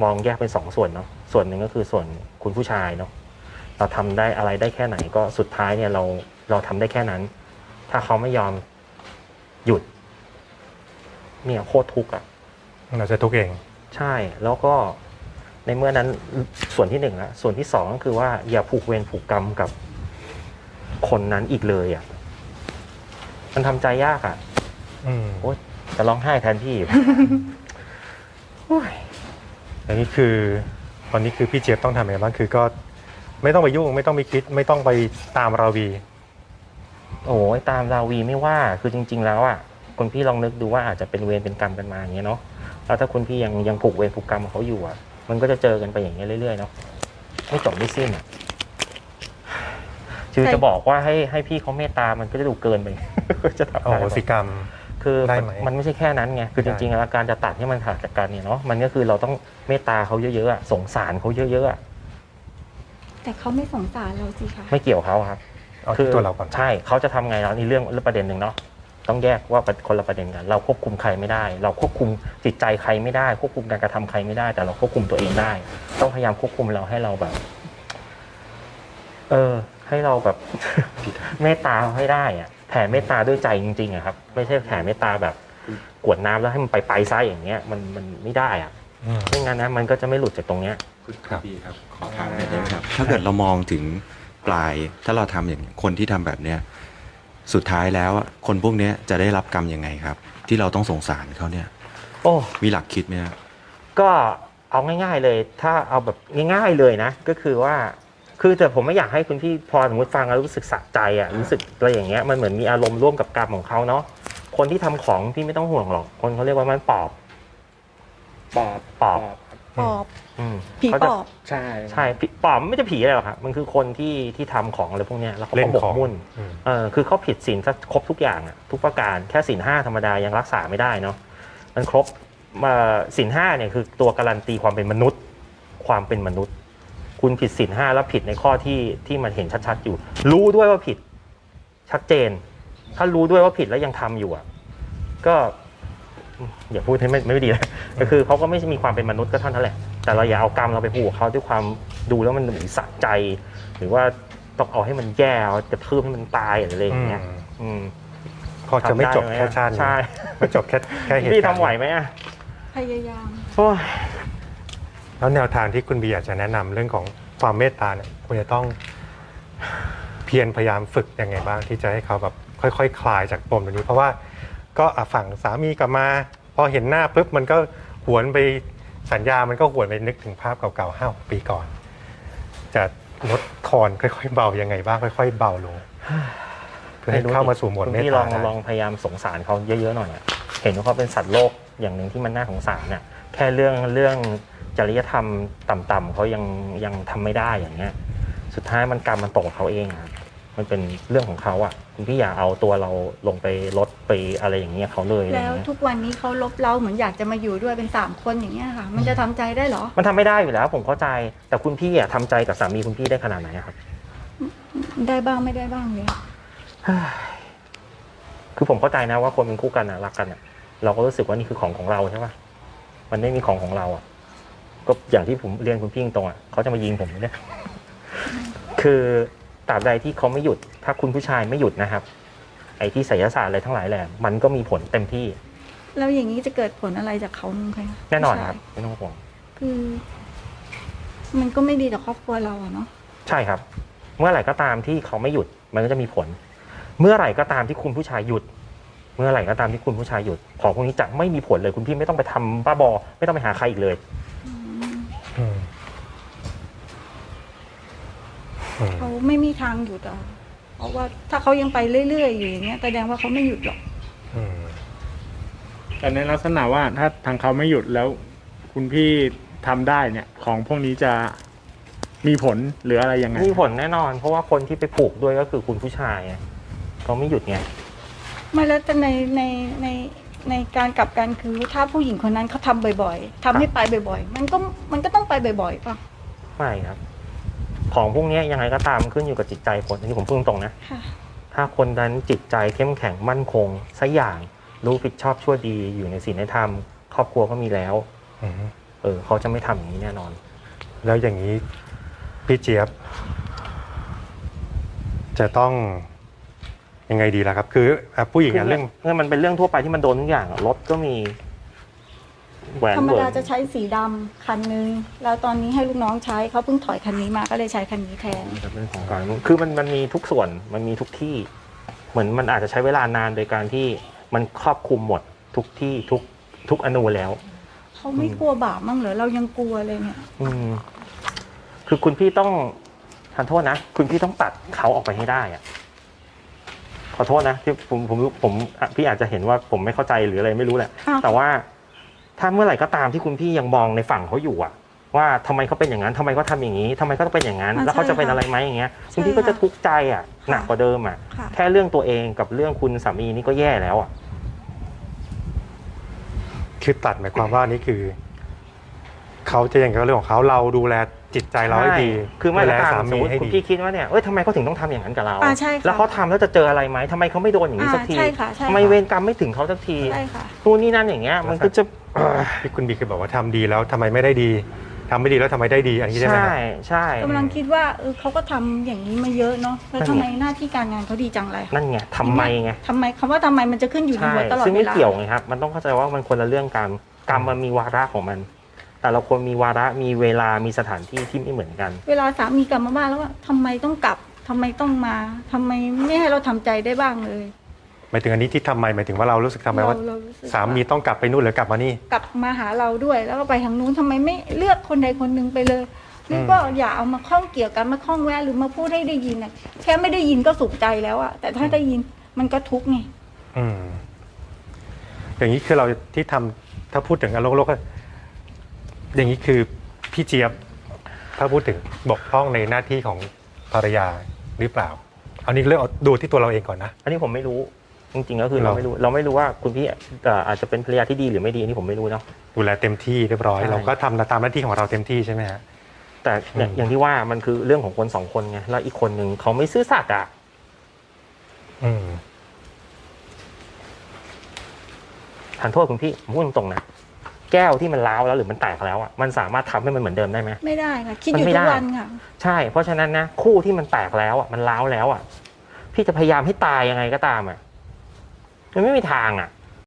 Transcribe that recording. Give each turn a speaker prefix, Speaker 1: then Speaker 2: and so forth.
Speaker 1: มองแยกเป็น2 ส่วนเนาะส่วนหนึ่งก็คือส่วนคุณผู้ชายเนาะเราทำได้อะไรได้แค่ไหนก็สุดท้ายเนี่ยเราทำได้แค่นั้น ถ้าเขาไม่ยอมหยุดเนี่ยโคตรทุกข์อ่ะ
Speaker 2: เราจะทุกข์เอง
Speaker 1: ใช่แล้วก็ในเมื่อนั้นส่วนที่1ละส่วนที่2ก็คือว่าอย่าผูกเวรผูกกรรมกับคนนั้นอีกเลยอ่ะมันทำใจยากอ่ะโอ๊ยจะร้องไห้แทนพี่
Speaker 2: อันนี้คือตอนนี้คือพี่เจี๊ยบต้องทำอะไรบ้างคือก็ไม่ต้องไปยุ่งไม่ต้องไปคิดไม่ต้องไปตามราวี
Speaker 1: โอ้ยตามราวีไม่ว่าคือจริงๆแล้วอ่ะคุณพี่ลองนึกดูว่าอาจจะเป็นเวรเป็นกรรมกันมาอย่างเงี้ยเนาะแล้วถ้าคุณพี่ยังผูกเวรผูกกรรมเขาอยู่อ่ะมันก็จะเจอกันไปอย่างเงี้ยเรื่อยๆเนาะไม่จบไม่สิ้นอ่ะคือจะบอกว่าให้พี่เขาเมตตามันก็จะดูเกินไป จะทำอะไร
Speaker 2: สิกรรม
Speaker 1: คือมันไม่ใช่แค่นั้นไงคือจริงๆแล้วการจะตัดให้มันขาดจากกันเนี่ยเนาะมันก็คือเราต้องเมตตาเขาเยอะๆสงสารเขาเยอะ
Speaker 3: ๆแต่เขาไม่สงสารเราสิคะ
Speaker 1: ไม่เกี่ยวเขาครับ
Speaker 2: คือตัวเราก่อน
Speaker 1: ใช่เขาจะทำไงแล้วนี่เรื่องประเด็นหนึ่งเนาะต้องแยกว่าคนละประเด็นกันเราควบคุมใครไม่ได้เราควบคุมจิตใจใครไม่ได้ควบคุมการกระทำใครไม่ได้แต่เราควบคุมตัวเองได้ต้องพยายามควบคุมเราให้เราแบบให้เราแบบ เมตตาให้ได้อะแผ่เมตตาด้วยใจจริงๆอะครับไม่ใช่แผ่เมตตาแบบกวดน้ำแล้วให้มันไปซะอย่างเงี้ยมันไม่ได้อะไม่งั้นนะมันก็จะไม่หลุดจากตรงเนี้ย
Speaker 4: ครับพี่ครับขอถามหน่อยได้ไหมครับถ้าเกิดเรามองถึงปลายถ้าเราทำอย่างคนที่ทำแบบเนี้ยสุดท้ายแล้วคนพวกนี้จะได้รับกรรมยังไงครับที่เราต้องสงสารเขาเนี่ย
Speaker 1: โอ้
Speaker 4: มีหลักคิดไหมครับ
Speaker 1: ก็เอาง่ายๆเลยถ้าเอาแบบง่ายๆเลยนะก็คือว่าคือแต่ผมไม่อยากให้คุณพี่พอสมมติฟังแล้วรู้สึกสะใจอ่ะรู้สึกอะไรอย่างเงี้ยมันเหมือนมีอารมณ์ร่วมกับกรรมของเขาเนาะคนที่ทำของพี่ไม่ต้องห่วงหรอกคนเขาเรียกว่ามันปอบ
Speaker 3: ผีปอบ
Speaker 1: ใช่ปอบไม่จะผีอะไรหรอกครับมันคือคนที่ทำของอะไรพวกเนี้ยแล้วเขาก็บกมุ่นคือเขาผิดศีลครบทุกอย่างอ่ะทุกประการแค่ศีล 5ธรรมดายังรักษาไม่ได้เนาะมันครบศีล 5เนี่ยคือตัวการันตีความเป็นมนุษย์คุณผิดศีล 5แล้วผิดในข้อที่มันเห็นชัดๆอยู่รู้ด้วยว่าผิดชัดเจนถ้ารู้ด้วยว่าผิดแล้วยังทำอยู่อ่ะก็อย่าพูดให้ไม่ดีเลยก็คือเขาก็ไม่มีความเป็นมนุษย์ก็เท่านั้นแหละแต่เราอย่าเอากรรมเราไปผูกเขาด้วยความดูแล้วมันเหมือนสะใจหรือว่าต้องเอาให้มันแย่กระทืบให้มันตายอะไรอย่างเงี้ย
Speaker 2: พอจะไม่จบแค่ชาติใช่ไม่จบแค่เหตุการณ์
Speaker 1: พี่ทำไหวไหมอ่ะ
Speaker 3: พยายาม
Speaker 2: แล้วแนวทางที่คุณบีอยากจะแนะนำเรื่องของความเมตตาเนี่ยคุณจะต้องเพียรพยายามฝึกยังไงบ้างที่จะให้เขาแบบค่อยๆ คลายจากปมตรงนี้เพราะว่าก็ฝั่งสามีกลับมาพอเห็นหน้าปุ๊บมันก็หวนไปสัญญามันก็หวนไปนึกถึงภาพเก่าๆ5-6 ปีก่อนจะลดทอนค่อยๆเบายังไงบ้างค่อยๆเบาลงเพื่อให้เข้ามาสู่โหมดเมตตา
Speaker 1: ลองพยายามสงสารเขาเยอะๆหน่อยเห็นว่าเขาเป็นสัตว์โลกอย่างหนึ่งที่มันน่าสงสารเนี่ยแค่เรื่องจริยธรรมต่ำๆเขายังทำไม่ได้อย่างเงี้ยสุดท้ายมันกรรมมันตกเขาเองครับมันเป็นเรื่องของเขาอ่ะคุณพี่อย่าเอาตัวเราลงไปลดไปอะไรอย่างเงี้ยเขาเลย
Speaker 3: แล้วทุกวันนี้เขาลบเราเหมือนอยากจะมาอยู่ด้วยเป็น3 คนอย่างเงี้ยค่ะมันจะทำใจได้เหรอ
Speaker 1: มันทำไม่ได้อยู่แล้วผมเข้าใจแต่คุณพี่อ่ะทำใจกับสามีคุณพี่ได้ขนาดไหนครับ
Speaker 3: ได้บ้างไม่ได้บ้างเลย
Speaker 1: คือผมเข้าใจนะว่าคนเป็นคู่กันอ่ะรักกันอ่ะเราก็รู้สึกว่านี่คือของเราใช่ป่ะมันไม่มีของเราอ่ะก็อย่างที่ผมเรียนคุณพี่ตรงอ่ะเขาจะมายิงผมเนี่ยคือตราบใดที่เขาไม่หยุดถ้าคุณผู้ชายไม่หยุดนะครับไอ้ที่ไสยศาสตร์อะไรทั้งหลายแหละมันก็มีผลเต็มที่
Speaker 3: แล้วอย่างนี้จะเกิดผลอะไรจากเขาคะ
Speaker 1: แน่นอนครับไม่ต้องห่วง
Speaker 3: คือมันก็ไม่ดีต่อครอบครัวเราเนาะ
Speaker 1: ใช่ครับเมื่อไหร่ก็ตามที่เขาไม่หยุดมันก็จะมีผลเมื่อไหร่ก็ตามที่คุณผู้ชายหยุดเมื่อไหร่ก็ตามที่คุณผู้ชายหยุดของพวกนี้จะไม่มีผลเลยคุณพี่ไม่ต้องไปทำบ้าบอไม่ต้องไปหาใครอีกเลย
Speaker 3: เขาไม่มีทางหยุดเพราะว่าถ้าเขายังไปเรื่อยๆอยู่อย่างเงี้ยแสดงว่าเขาไม่หยุดหรอก
Speaker 5: แต่ในลักษณะว่าถ้าทางเขาไม่หยุดแล้วคุณพี่ทำได้เนี่ยของพวกนี้จะมีผลหรืออะไรยังไง
Speaker 1: มีผลแน่นอนเพราะว่าคนที่ไปผูกด้วยก็คือคุณผู้ชายเขาไม่หยุดไง
Speaker 3: ไม่แล้วแต่ในการกลับกันคือถ้าผู้หญิงคนนั้นเขาทำบ่อยๆทำให้ไปบ่อยๆมันก็ต้องไปบ่อยๆป่ะ
Speaker 1: ไม่ครับของพวกนี้ยังไงก็ตามขึ้นอยู่กับจิตใจคนอันนี้ผมพูดตรงนะถ้าคนนั้นจิตใจเข้มแข็งมั่นคงสักอย่างรู้ผิดชอบชั่วดีอยู่ในศีลในธรรมครอบครัวก็มีแล้วเขาจะไม่ทำอย่างนี้แน่นอน
Speaker 2: แล้วอย่างนี้พี่เจี๊ยบ จะต้องยังไงดีล่ะครับ คือผู้หญิงอะเรื่อง
Speaker 1: มันเป็นเรื่องทั่วไปที่มันโดนทุกอย่างรถก็มีแหวน
Speaker 3: ธรรม
Speaker 1: เวิ
Speaker 3: ดา
Speaker 1: ร์น
Speaker 3: จะใช้สีดำคันนึงแล้วตอนนี้ให้ลูกน้องใช้เขาเพิ่งถอยคันนี้มาก็เลยใช้คันนี้แทน
Speaker 1: เรื่องของการคือมันมีทุกส่วนมันมีทุกที่ เหมือนมันอาจจะใช้เวลานานโดยการที่มันครอบคลุมหมดทุกที่ทุกอนูแล้ว
Speaker 3: เขาไม่กลัวบาปมั้งเหรอเรายังกลัวเลยเนี่ย
Speaker 1: คือคุณพี่ต้องทานโทษนะคุณพี่ต้องตัดเขาออกไปให้ได้อะขอโทษนะที่ผมพี่อาจจะเห็นว่าผมไม่เข้าใจหรืออะไรไม่รู้แหละ
Speaker 3: อ้าว
Speaker 1: แต่ว่าถ้าเมื่อไหร่ก็ตามที่คุณพี่ยังมองในฝั่งเขาอยู่อะว่าทำไมเขาเป็นอย่างนั้นทำไมเขาทำอย่างนี้ทำไมเขาต้องเป็นอย่างนั้น แล้วเขาจะเป็นอะไรไหมอย่างเงี้ยคุณพี่ก็จะทุกข์ใจอะหนักกว่าเดิมอะ
Speaker 3: ค่ะ
Speaker 1: แค่เรื่องตัวเองกับเรื่องคุณสามีนี่ก็แย่แล้วอะ
Speaker 2: คือตัดหมายความว่านี่คือ เขาจะอย่างกับเรื่องของเขาเราดูแลจิตใจเราให้ดี
Speaker 1: ใช่คือไม่
Speaker 2: ดูแล
Speaker 1: ละกัน
Speaker 2: สา
Speaker 1: สม
Speaker 2: มี
Speaker 1: มติ
Speaker 2: ให้
Speaker 1: คุณ
Speaker 2: ดี
Speaker 1: พี่คิดว่าเนี่ยทำไมเขาถึงต้องทำอย่างนั้นกับเรา
Speaker 3: ใช่ค่ะ
Speaker 1: แล้วเขาทำแล้วจะเจออะไรไหมทำไมเขาไม่โดนอย่างนี้สักที
Speaker 3: ใช่ค่ะใช่ค่ะ
Speaker 1: ทำไมเวรกรรมไม่ถึงเขาสักที
Speaker 3: ใช่ค่ะ
Speaker 1: นู่นนี่นั่นอย่างเงี้ยมันก็จะ
Speaker 2: ที่คุณบีเคยบอกว่าทำดีแล้วทำไมไม่ได้ดีทำไม่ดีแล้วทำไมได้ดีอันนี้ใช่ไหม
Speaker 1: ใช่
Speaker 2: ฮะ
Speaker 1: ใช่
Speaker 3: กำลังคิดว่าเขาก็ทำอย่างนี้มาเยอะเนาะแล้วทำไมหน้าที่การงานเขาดีจังเลย
Speaker 1: นั่นไงทำไมไง
Speaker 3: ทำไมคำว่าทำไมมันจะขึ้นอยู่ใน
Speaker 1: ใช่
Speaker 3: หัวตลอด
Speaker 1: ซึ่ง
Speaker 3: เว
Speaker 1: ไม่
Speaker 3: ลา
Speaker 1: เกี่ยวไงครับมันต้องเข้าใจว่ามันคนละเรื่องกันกรรมมันมีวาระของมัน แต่ละคนมีวาระมีเวลามีสถานที่ที่ไม่เหมือนกัน
Speaker 3: เวลาสามีกลับมาบ้านแล้วว่าทำไมต้องกลับทำไมต้องมาทำไมไม่ให้เราทำใจได้บ้างเลย
Speaker 2: หมายถึงอันนี้ที่ทำไมหมายถึงว่าเรารู้สึกทำไมว่า
Speaker 3: เรารู้สึก
Speaker 2: สามีต้องกลับไปนู่นหรือกลับมานี่
Speaker 3: กลับมาหาเราด้วย แล้วก็ไปทางนู้นทำไมไม่เลือกคนใดคนหนึ่งไปเลยหรือก็อย่าเอามาข้องเกี่ยวกันมาข้องแวะหรือมาพูดให้ได้ยินนะแค่ไม่ได้ยินก็สุขใจแล้วอะแต่ถ้าได้ยินมันก็ทุกข์ไง
Speaker 2: อืมอย่างนี้คือเราที่ทำถ้าพูดถึงอารมณ์โลกก็อย่างนี้คือพี่เจี๊ยบถ้าพูดถึงบกพร่องในหน้าที่ของภรรยาหรือเปล่าอันนี้เรื่องเอาดูที่ตัวเราเองก่อนนะ
Speaker 1: อันนี้ผมไม่รู้จริงๆก็คือเราไม่รู้ว่าคุณพี่อาจจะเป็นภรรยาที่ดีหรือไม่ดีอันนี้ผมไม่รู้เนาะ
Speaker 2: ดูแลเต็มที่เรียบร้อย
Speaker 1: ใช่
Speaker 2: เราก็ทำตามหน้าที่ของเราเต็มที่ใช่ไหมฮะ
Speaker 1: แต่อย่างที่ว่ามันคือเรื่องของคนสองคนไงแล้วอีกคนหนึ่งเขาไม่ซื่อสัตย์อ่ะ
Speaker 2: อืม
Speaker 1: ทานโทษคุณพี่ผมพูดตรงๆนะแก้วที่มันร้าวแล้วหรือมันแตกแล้วอ่ะมันสามารถทำให้มันเหมือนเดิมได้ไหม
Speaker 3: ไม่ได้ค่ะคิดอยู่
Speaker 1: มันไม่
Speaker 3: ทุ
Speaker 1: ได้
Speaker 3: กวันค่ะ
Speaker 1: ใช่เพราะฉะนั้นนะคู่ที่มันแตกแล้วอ่ะมันร้าวแล้วอ่ะพี่จะพยายามให้ตายยังไงก็ตามอ่ะมันไม่มีทางอ่ะ